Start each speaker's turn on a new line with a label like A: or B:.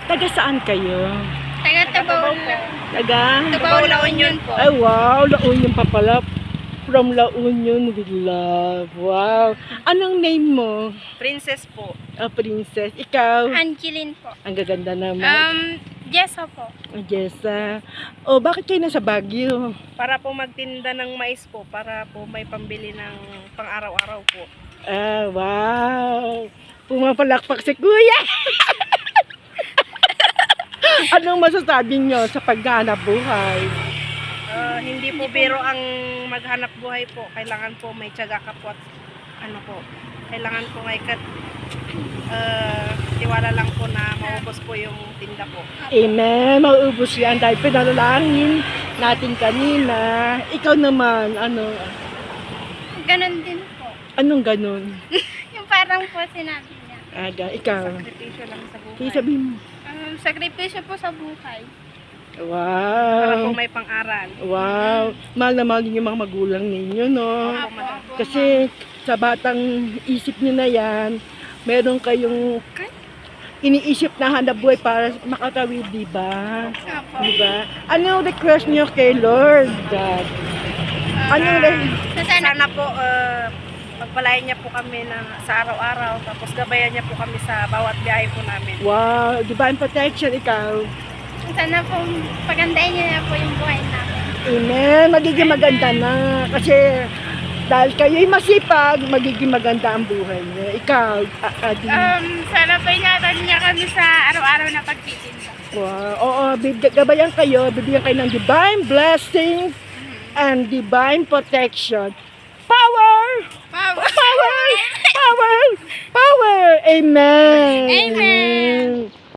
A: Taga saan kayo?
B: Taga Tabaw.
A: Taga?
B: Tabaw La Union po.
A: Ay, wow. La Union pa pala. From La Union with love. Wow. Anong name mo?
B: Princess po.
A: Princess. Ikaw?
B: Angeline po.
A: Ang gaganda naman.
B: Jessa po.
A: Jessa. Oh, bakit kayo nasa Baguio?
B: Para po magtinda ng mais po. Para po may pambili ng pang-araw-araw po.
A: Ah, wow. Pumapalakpak si Kuya. Anong masasabi nyo sa paghanap buhay?
B: Hindi po biro ang maghanap buhay po. Kailangan po may tiyaga ka po at ano po. Kailangan po may tiwala lang po na maubos po yung tinda po.
A: Amen. Mauubos yan dahil pinalangin natin kanina. Ikaw naman, ano?
B: Ganon din po.
A: Anong ganun?
B: Yung parang po sinabi niya.
A: Ikaw.
B: Sakripisyo lang sa buhay.
A: Kaya sabihin mo.
B: Sakripisyo po sa buhay.
A: Wow.
B: Para po may pang-aral.
A: Wow. Mahal na mahal yung mga magulang ninyo, no?
B: Opo.
A: Kasi sa batang isip nyo na yan, meron kayong iniisip na hanap buhay para makatawid, di ba?
B: Opo.
A: Di ba? Anong request nyo kay Lord God?
B: Sana po pagpalain niya po kami sa araw-araw, tapos gabayan niya po kami sa bawat biyahe po namin.
A: Wow, divine protection, ikaw.
B: Sana po pagandahin niya na po yung buhay namin.
A: Amen. Magiging maganda na. Kasi dahil kayo'y masipag, magiging maganda ang buhay niyo. Ikaw,
B: Sana po ingatan niya kami sa araw-araw na pagtitinda.
A: wow. Oo, gabayan kayo, bibigyan kayo ng divine blessings and divine protection. Power!
B: Power!
A: Power! Power! Power! Amen!
B: Amen!